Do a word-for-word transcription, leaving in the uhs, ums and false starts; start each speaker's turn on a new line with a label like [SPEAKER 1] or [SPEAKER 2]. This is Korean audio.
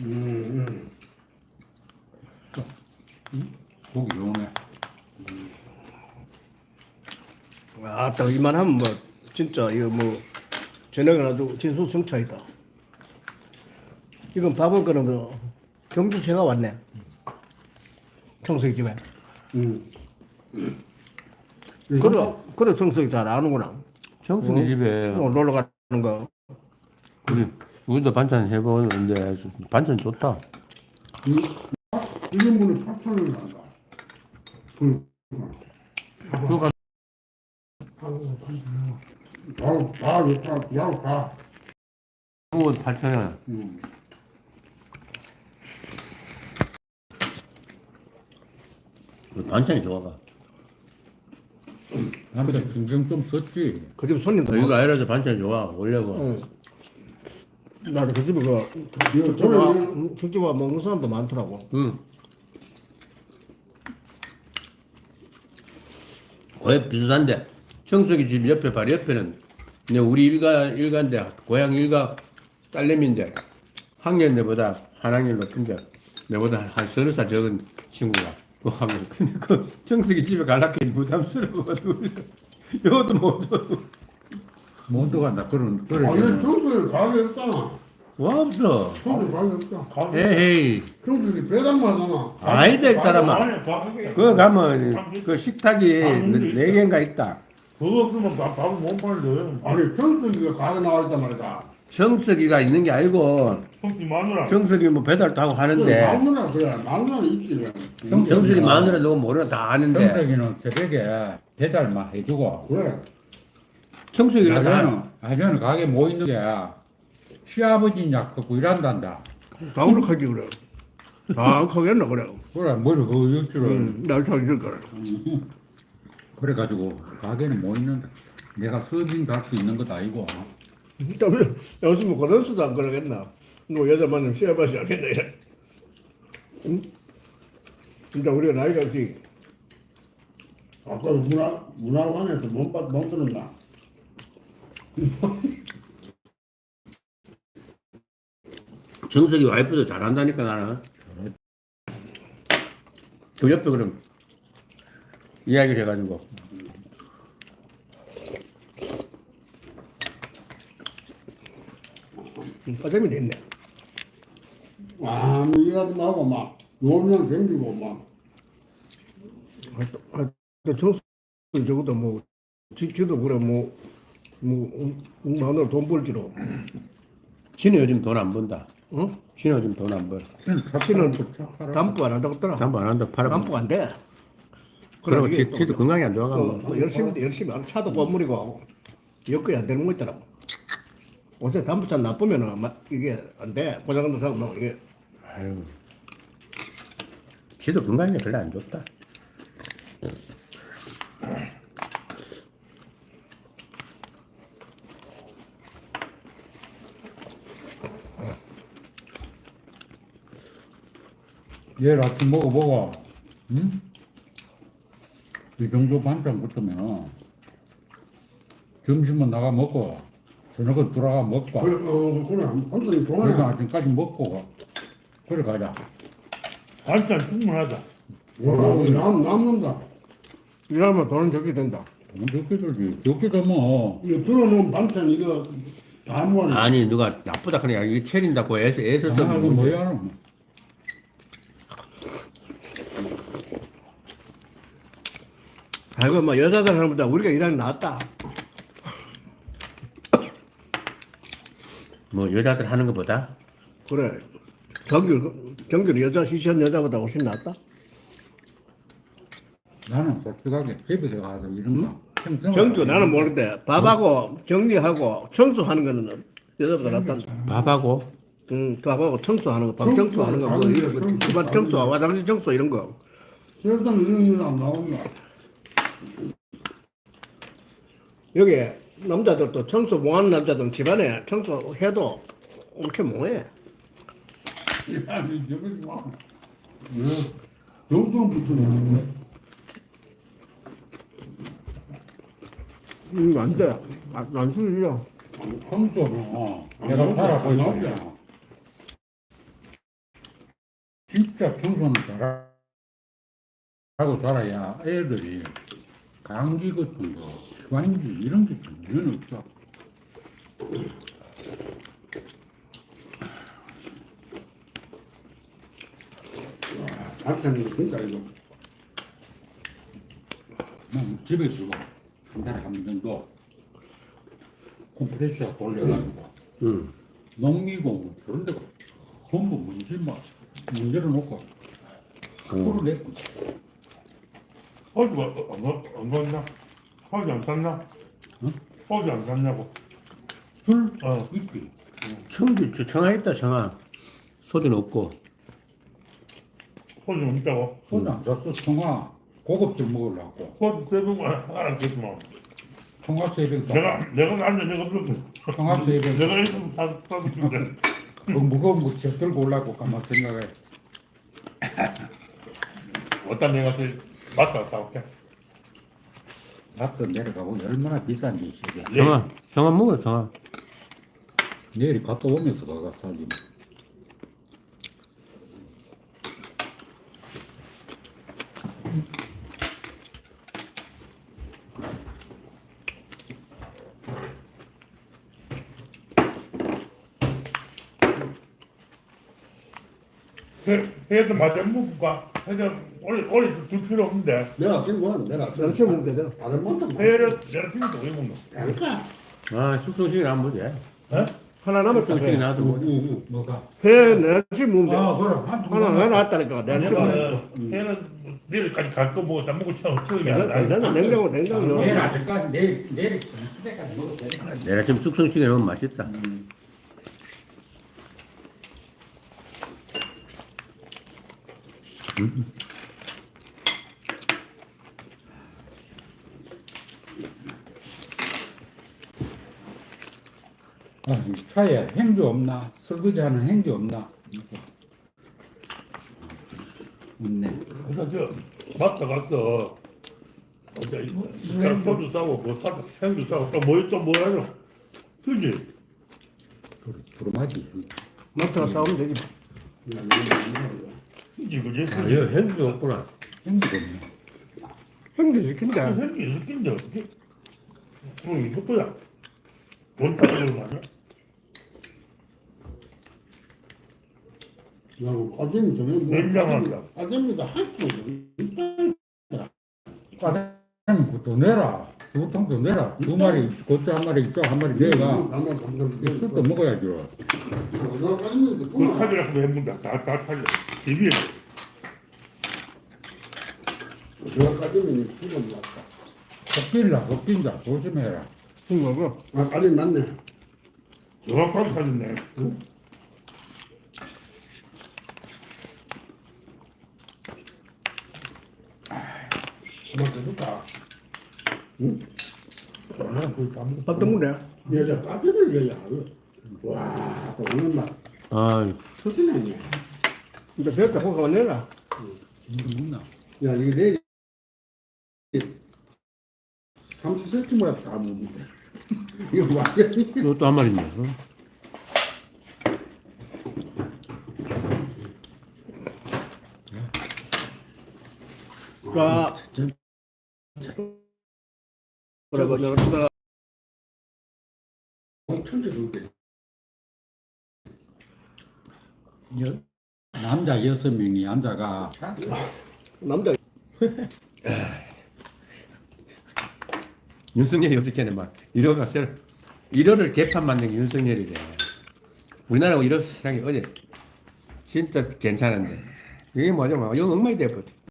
[SPEAKER 1] 음,
[SPEAKER 2] 고기 좋네.
[SPEAKER 3] 아, 딱 이만하면 뭐 진짜 이거 뭐 저녁에 아주 진수성차이다. 이건 밥을 거는 거 경주새가 왔네. 청석이 집에.
[SPEAKER 1] 음.
[SPEAKER 3] 그래, 그래 청석이 잘 아는구나.
[SPEAKER 2] 청순이 집에
[SPEAKER 3] 어, 놀러 가는 거.
[SPEAKER 2] 우리 우리도 반찬 해보는데 반찬 좋다.
[SPEAKER 1] 일 인분에 팔천 원 난다. 그,
[SPEAKER 2] 그거
[SPEAKER 1] 다, 다 좋다. 다, 다.
[SPEAKER 2] 그거 팔천 원.
[SPEAKER 1] 음.
[SPEAKER 2] 반찬이 좋아가.
[SPEAKER 4] 남자 신경 좀 썼지.
[SPEAKER 3] 그 집 손님도
[SPEAKER 2] 이거 아이라서 반찬 좋아. 원래고.
[SPEAKER 3] 응. 나도 그 집에 그
[SPEAKER 1] 이거
[SPEAKER 3] 숙집
[SPEAKER 1] 저는
[SPEAKER 3] 와,
[SPEAKER 1] 이거-
[SPEAKER 3] 숙집 와 먹는 사람도 많더라고.
[SPEAKER 2] 응. 거의 비슷한데 청석이 집 옆에 바로 옆에는 근데 우리 일가 일가인데 고향 일가 딸내미인데 학년 내보다 한 학년 높은데 내보다 한, 한 서너 살 적은 친구가 그 학년 근데 그 청석이 집에 갈라니까 부담스러워 이것도 못 줘.
[SPEAKER 4] 못 들어간다. 그런 그래.
[SPEAKER 1] 아니, 청소에 가게 없잖아.
[SPEAKER 2] 와 없어.
[SPEAKER 1] 청소에 가게 없잖아.
[SPEAKER 2] 에헤이
[SPEAKER 1] 청소에 배당만 하잖아.
[SPEAKER 2] 아니다 이 사람아. 그거 가면 그 식탁이 네 개인가 있다.
[SPEAKER 5] 그거 없으면 밥, 밥을 못 팔려.
[SPEAKER 1] 아니, 청소기가 가게 나와 있단 말이다.
[SPEAKER 2] 정석이가 있는 게 아니고
[SPEAKER 5] 성지 마누라.
[SPEAKER 2] 정석이 뭐 배달도 하고
[SPEAKER 1] 그래,
[SPEAKER 2] 하는데
[SPEAKER 1] 마누라, 그래. 마누라 있지. 그래.
[SPEAKER 2] 정석이 마누라 누구 모르나 다 아는데
[SPEAKER 4] 정석이는 새벽에 배달만 해주고.
[SPEAKER 1] 그래.
[SPEAKER 2] 정석이가 다
[SPEAKER 4] 아저는 아저는 가게 뭐 있는 게 시아버지 약 갖고 일한단다.
[SPEAKER 3] 다 그렇게 그래. 다 크겠나 그래.
[SPEAKER 4] 그래 머리 그거 일 줄을.
[SPEAKER 3] 응, 날참 있을 거라.
[SPEAKER 4] 그래가지고 가게는 뭐 있는다. 내가 서빙 갈 수 있는 것도 아니고.
[SPEAKER 3] 좀 요즘 그런 수도 안 그러겠나. 너 여자 만나면 시합하지 않겠나 이래. 응? 진짜 우리가 나이가 있지.
[SPEAKER 1] 아까 문화, 문화관에서 못, 받- 못 들었나?
[SPEAKER 2] 정석이 와이프도 잘한다니까 나는 그 옆에 그럼 이야기를 해가지고
[SPEAKER 3] 빠짐이 됐네.
[SPEAKER 1] 아, 뭐 일하지 말고 막, 놀면 댕기고 막.
[SPEAKER 3] 하여튼 정수 적어도 뭐 지, 지도 그래 뭐뭐 마누라 돈 벌지로.
[SPEAKER 2] 지는 요즘 돈 안 번다.
[SPEAKER 3] 응?
[SPEAKER 2] 지는 요즘 돈 안 벌.
[SPEAKER 3] 씨는 담보 안 한다고 했더라.
[SPEAKER 2] 담보 안 한다 팔아.
[SPEAKER 3] 담보 안 돼.
[SPEAKER 2] 그리고
[SPEAKER 3] 이게
[SPEAKER 2] 지,
[SPEAKER 3] 또
[SPEAKER 2] 지도 건강이 안
[SPEAKER 3] 어,
[SPEAKER 2] 좋아가고.
[SPEAKER 3] 뭐 열심히 열심히 하는 차도 건물이고 여건이 안 되는 거 있더라고. 요새 담보차 나쁘면은 막 이게 안 돼. 고장난 사람 뭐 이게
[SPEAKER 2] 아유. 지도 건강이 별로 안 좋다.
[SPEAKER 4] 내일 아침 먹어보고. 응? 이 정도 반찬 붙으면 점심은 나가 먹고 저녁은 돌아가 먹고
[SPEAKER 1] 그래, 어, 그래. 혼자
[SPEAKER 4] 그래서
[SPEAKER 1] 좋아해.
[SPEAKER 4] 아침까지 먹고 그래 가자.
[SPEAKER 5] 반찬 충분하다.
[SPEAKER 1] 어, 남, 남는다.
[SPEAKER 3] 일하면 돈은 적게 된다.
[SPEAKER 4] 적게 들지. 적게 되면
[SPEAKER 1] 이거 들어놓은 반찬 이거 다 모아내.
[SPEAKER 2] 아니 누가 나쁘다 그냥 이게 체린다고 애써 애써서
[SPEAKER 4] 아, 이거
[SPEAKER 2] 문제.
[SPEAKER 4] 뭐야?
[SPEAKER 3] 아이고 뭐 여자들 하는 것보다 우리가 일하는 게 낫다.
[SPEAKER 2] 뭐 여자들 하는 것보다
[SPEAKER 3] 그래. 경규 경규는 여자 시시한 여자보다 훨씬 낫다.
[SPEAKER 4] 나는 솔직하게 집에 가서 이런 거. 평생
[SPEAKER 3] 정규 나는 모르는데 밥하고 정리하고 청소하는 거는 여자보다 낫다.
[SPEAKER 2] 밥하고
[SPEAKER 3] 응, 밥하고 청소하는 거, 방 청소하는 거, 뭐 이런 거, 집안 청소, 화장실 청소 이런 거.
[SPEAKER 1] 세상 이런 일안 나온다.
[SPEAKER 3] 여기 남자들도 청소 못하는 남자들은 집안에 청소해도 이렇게 못해.
[SPEAKER 4] 아니 저러지 마.
[SPEAKER 1] 정도 붙으면.
[SPEAKER 3] 음, 안 돼. 안, 안 쓰려.
[SPEAKER 4] 평소는 내가 살아보니까 진짜 청소는 잘하고 살아야 애들이 감기 같은 거, 기관지 이런 게 전혀 없어.
[SPEAKER 1] 반찬이 진짜 이거.
[SPEAKER 4] 난 집에서 한 달에 한 번 정도 컴프레셔 돌려가지고
[SPEAKER 2] 응.
[SPEAKER 4] 농미고 뭐 그런 데가 전부 문질만 문제를 놓고 풀을 냈고
[SPEAKER 5] 허주가 안, 가- 안 갔나? 허주 안 샀나?
[SPEAKER 4] 응?
[SPEAKER 5] 허주 안 샀냐고.
[SPEAKER 4] 술
[SPEAKER 5] 어.
[SPEAKER 4] 있지.
[SPEAKER 2] 청주 저 청아 있다 청아. 소주는 없고.
[SPEAKER 5] 허주 없다고.
[SPEAKER 4] 소주 안 샀어. 청아 고급酒먹으려고.
[SPEAKER 5] 허주 세병만 알았겠지만.
[SPEAKER 4] 청아 세병
[SPEAKER 5] 내가, 내가 나한테 내가 없었고.
[SPEAKER 4] 청아 세병
[SPEAKER 5] 내가 있으면 사, 사도 준대.
[SPEAKER 4] 그 무거운 거 제 들고 올라고 가만 생각해.
[SPEAKER 5] 어떤 내가 그 맞다 사올게.
[SPEAKER 4] 밭도 내려가고 얼마나 비싼지 이게.
[SPEAKER 2] 청아 청아 먹어 청아.
[SPEAKER 4] 내일 갔다 오면서 가가 사지.
[SPEAKER 5] 회, 회도 맞아 먹을까? 회도 오래, 오래 둘 필요 없는데.
[SPEAKER 1] 내가 지금 뭐 내가
[SPEAKER 3] 내가 지금 먹으면 되잖아.
[SPEAKER 1] 다른 것도
[SPEAKER 5] 회를 내가 지금도 왜 먹노?
[SPEAKER 1] 그러니까.
[SPEAKER 2] 아 숙성식이 안 보지.
[SPEAKER 5] 에?
[SPEAKER 3] 하나 남았다.
[SPEAKER 2] 숙성식이
[SPEAKER 3] 회.
[SPEAKER 2] 나도 뭐.
[SPEAKER 1] 응,
[SPEAKER 4] 뭐가?
[SPEAKER 3] 회 내가 지금 먹으면
[SPEAKER 4] 아
[SPEAKER 3] 돼.
[SPEAKER 4] 그래. 한
[SPEAKER 3] 하나 하나 놨다니까. 내가 지금 먹으면
[SPEAKER 5] 내가 회는 내일까지 갈 거 뭐 다 먹고 처음 처음이
[SPEAKER 3] 돼.
[SPEAKER 5] 아니라.
[SPEAKER 3] 괜찮아. 냉장고 냉장고
[SPEAKER 4] 내일
[SPEAKER 3] 넣어.
[SPEAKER 4] 아직까지 내일 내일 점심때까지 먹어도 돼.
[SPEAKER 2] 내가 지금 숙성식에 넣으면 맛있다.
[SPEAKER 4] 아, 이 차에 행주 없나? 설거지하는 행주 없나? 없네.
[SPEAKER 5] 그래서 저 마트 갔어. 어제 그냥 소주 싸고 뭐 사고 생주 싸고 또뭐또뭐 하죠? 그지?
[SPEAKER 4] 부르마지.
[SPEAKER 3] 마트가 싸우면 되지.
[SPEAKER 5] 그지 그지?
[SPEAKER 2] 아, 이거 행주가 없구나.
[SPEAKER 4] 행주가 없네.
[SPEAKER 3] 행주 시킨다.
[SPEAKER 5] 생기 느낀데 어떻게? 그럼 이것도야. 돈 타는 거 아니야?
[SPEAKER 1] 그냥 빠지면 되는
[SPEAKER 5] 냉장고다.
[SPEAKER 1] 빠집니다. 할수
[SPEAKER 4] 과장님 그것도 내라. 두 통도 내라. 두 마리 고추 한 마리 이쪽 한 마리 내가 술도 먹어야죠.
[SPEAKER 5] 그 타지라고 해본다. 다다 타지. 집이
[SPEAKER 1] 내가 빠지면 지금 왔다.
[SPEAKER 4] 꺾일라 꺾인다. 조심해라.
[SPEAKER 3] 지금 먹어.
[SPEAKER 1] 아, 빠지면 맞네.
[SPEAKER 5] 정확하게 타졌네. 그만 해줄까? 응? 그냥 거의 다 먹었어.
[SPEAKER 3] 밥도 먹네.
[SPEAKER 1] 여자 빠지를 여자. 와, 또 오는 맛.
[SPEAKER 2] 아,
[SPEAKER 1] 터지네.
[SPEAKER 3] 이제 배웠다 호가 내라.
[SPEAKER 4] 이거 먹나?
[SPEAKER 1] 야, 이게 내일 삼십 센티미터 다 먹는데. 이거 완전히.
[SPEAKER 2] 이것도 한 마리인데. 어?
[SPEAKER 3] 자, 그래고 내가 주다
[SPEAKER 1] 천재 둘게.
[SPEAKER 4] 여, 남자 여섯 명이 앉아가
[SPEAKER 3] 남자
[SPEAKER 2] 윤석열이 어떻게 하냐 막 일호가 셀 일호를 개판 만든 게 윤석열이래. 우리나라 일호 세상이 어제 진짜 괜찮은데 이게 뭐죠? 막 이거 엉망이 돼버려.